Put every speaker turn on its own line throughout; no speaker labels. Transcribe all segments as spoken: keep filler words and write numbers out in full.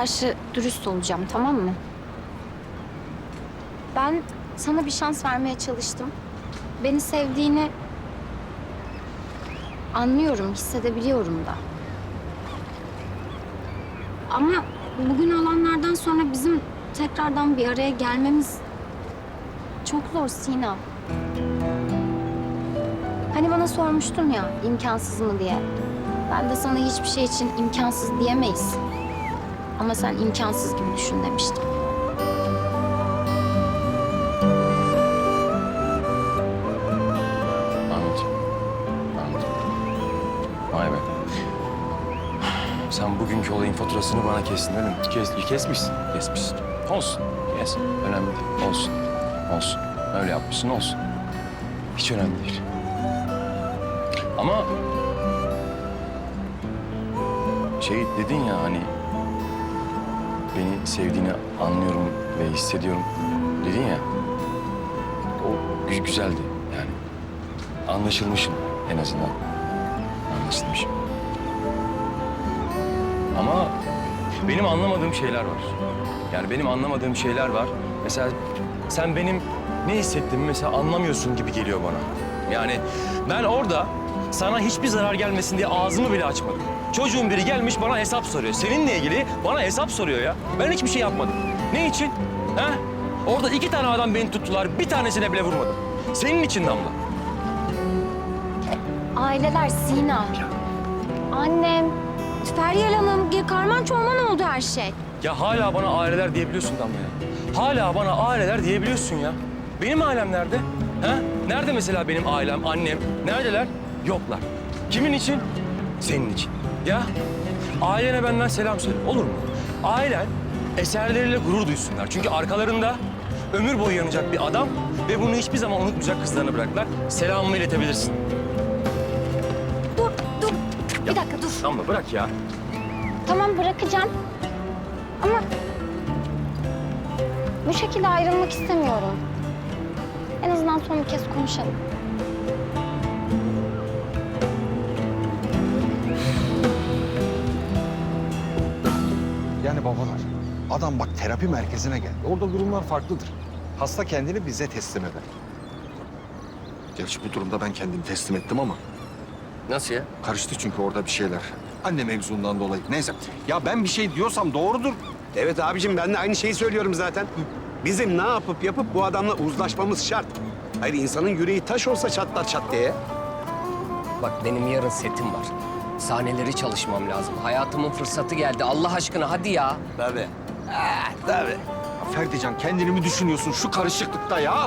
karşı dürüst olacağım, tamam mı? Ben sana bir şans vermeye çalıştım. Beni sevdiğini anlıyorum, hissedebiliyorum da. Ama bugün olanlardan sonra bizim tekrardan bir araya gelmemiz çok zor Sina. Hani bana sormuştun ya, imkansız mı diye. Ben de sana hiçbir şey için imkansız diyemeyiz. Ama sen imkansız gibi düşün demiştim.
Anladım. Anladım. Vay be. Sen bugünkü olayın faturasını bana kestin öyle mi? Kes, kesmişsin. Kesmişsin. Olsun. Kes. Önemli değil. Olsun. Olsun. Öyle yapmışsın olsun. Hiç önemli değil. Ama şey dedin ya hani beni sevdiğini anlıyorum ve hissediyorum dedin ya. O gü- güzeldi yani. Anlaşılmışım en azından. Anlaşılmışım. Ama benim anlamadığım şeyler var. Yani benim anlamadığım şeyler var. Mesela sen benim ne hissettiğimi mesela anlamıyorsun gibi geliyor bana. Yani ben orada sana hiçbir zarar gelmesin diye ağzımı bile açmadım. Çocuğun biri gelmiş bana hesap soruyor. Seninle ilgili bana hesap soruyor ya. Ben hiçbir şey yapmadım. Ne için? Ha? Orada iki tane adam beni tuttular. Bir tanesine bile vurmadım. Senin için Damla.
Aileler Sina. Annem, Feryal Hanım, karman çorman oldu her şey.
Ya hala bana aileler diyebiliyorsun Damla ya. Hala bana aileler diyebiliyorsun ya. Benim ailem nerede? Ha? Nerede mesela benim ailem, annem? Neredeler? Yoklar. Kimin için? Senin için. Ya ailene benden selam söyle. Olur mu? Ailen eserleriyle gurur duysunlar. Çünkü arkalarında ömür boyu yanacak bir adam ve bunu hiçbir zaman unutmayacak kızlarına bıraktılar. Selamımı iletebilirsin.
Dur, dur. Bir dakika dur.
Damla bırak ya.
Tamam bırakacağım. Ama bu şekilde ayrılmak istemiyorum. En azından son bir kez konuşalım.
Yani babalar, adam bak terapi merkezine geldi. Orada durumlar farklıdır. Hasta kendini bize teslim eder. Gerçi bu durumda ben kendimi teslim ettim ama
Nasıl ya?
karıştı çünkü orada bir şeyler. Anne mevzundan dolayı. Neyse. Ya ben bir şey diyorsam doğrudur.
Evet abicim ben de aynı şeyi söylüyorum zaten. Bizim ne yapıp yapıp bu adamla uzlaşmamız şart. Hayır insanın yüreği taş olsa çatlar çat diye.
Bak benim yarın setim var. Sahneleri çalışmam lazım. Hayatımın fırsatı geldi. Allah aşkına hadi ya.
Tabii. Ah, tabii.
Ya Ferdican kendini mi düşünüyorsun şu karışıklıkta ya?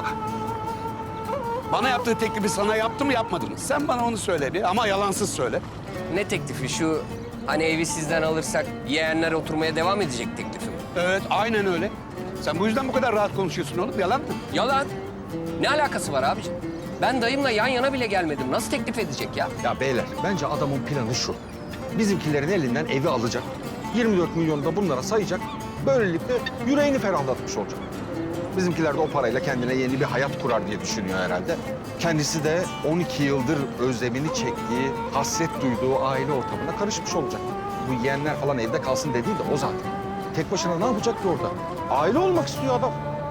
Bana yaptığı teklifi sana yaptı mı yapmadı mı? Sen bana onu söyle bir ama yalansız söyle.
Ne teklifi şu? Hani evi sizden alırsak yeğenler oturmaya devam edecek teklifi mi?
Evet aynen öyle. Sen bu yüzden bu kadar rahat konuşuyorsun oğlum. Yalan mı?
Yalan. Ne alakası var abiciğim? Ben dayımla yan yana bile gelmedim. Nasıl teklif edecek ya?
Ya beyler bence adamın planı şu. Bizimkilerin elinden evi alacak. yirmi dört milyonu da bunlara sayacak. Böylelikle yüreğini ferahlatmış olacak. Bizimkiler de o parayla kendine yeni bir hayat kurar diye düşünüyor herhalde. Kendisi de on iki yıldır özlemini çektiği, hasret duyduğu aile ortamına karışmış olacak. Bu yeğenler falan evde kalsın dediği de o zaten. Tek başına ne yapacak ki orada? Aile olmak istiyor adam.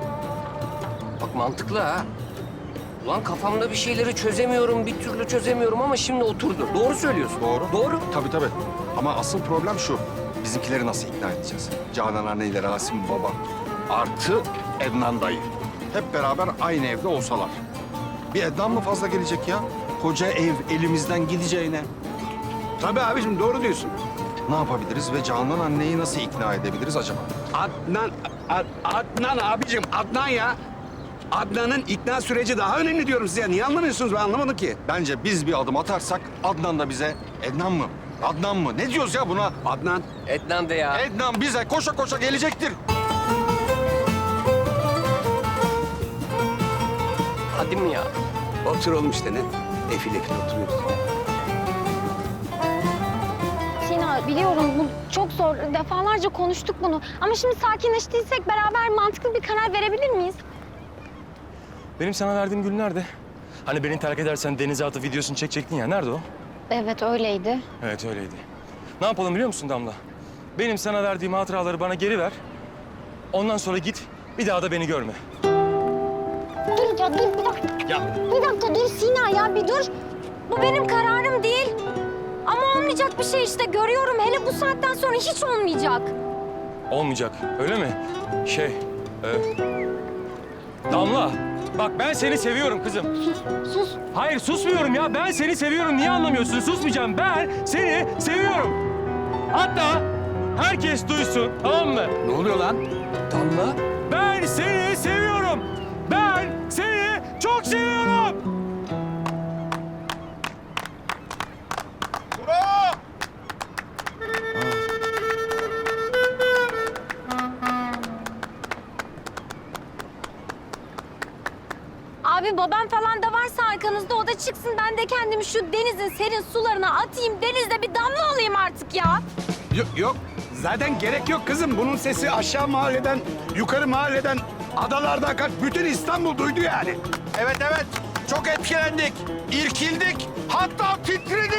Bak mantıklı ha. Ulan kafamda bir şeyleri çözemiyorum, bir türlü çözemiyorum ama şimdi oturdu. Doğru söylüyorsun.
Doğru.
Doğru.
Tabii tabii. Ama asıl problem şu. Bizimkileri nasıl ikna edeceğiz? Canan anneyle Rasim baba. Artı Ednan dayı. Hep beraber aynı evde olsalar. Bir Ednan mı fazla gelecek ya? Koca ev elimizden gideceğine.
Tabii abicim doğru diyorsun.
Ne yapabiliriz ve Canan anneyi nasıl ikna edebiliriz acaba?
Adnan, Ad- Adnan abicim Adnan ya. Adnan'ın ikna süreci daha önemli diyorum size. Niye anlamıyorsunuz? Ben anlamadım ki.
Bence biz bir adım atarsak Adnan da bize Ednan mı? Adnan mı? Ne diyoruz ya buna?
Adnan.
Ednan de ya.
Ednan bize koşa koşa gelecektir.
Hadi mi ya?
Oturalım işte ne? Efil efil oturuyoruz.
Sina biliyorum bu çok zor. Defalarca konuştuk bunu. Ama şimdi sakinleştiysek beraber mantıklı bir karar verebilir miyiz?
Benim sana verdiğim gül nerede? Hani beni terk edersen denize atıp videosunu çekecektin ya. Nerede o?
Evet öyleydi.
Evet öyleydi. Ne yapalım biliyor musun Damla? benim sana verdiğim hatıraları bana geri ver. Ondan sonra git, bir daha da beni görme.
Dur ya dur bir dakika.
Ya
Bir dakika dur Sina ya bir dur. Bu benim kararım değil. Ama olmayacak bir şey işte görüyorum. Hele bu saatten sonra hiç olmayacak.
olmayacak, öyle mi? Şey, e, Damla, bak ben seni seviyorum kızım.
Sus.
Hayır susmuyorum ya, ben seni seviyorum. Niye anlamıyorsun? Susmayacağım. Ben seni seviyorum. Hatta herkes duysun, tamam mı?
Ne oluyor lan?
Damla. Ben seni seviyorum. Ben seni çok seviyorum.
Abi babam falan da varsa arkanızda o da çıksın. Ben de kendimi şu denizin serin sularına atayım. Denizde bir damla olayım artık ya.
Yok, yok. Zaten gerek yok kızım. Bunun sesi aşağı mahalleden, yukarı mahalleden, adalardan kaç. Bütün İstanbul duydu yani.
Evet evet. Çok etkilendik. İrkildik. Hatta titredik.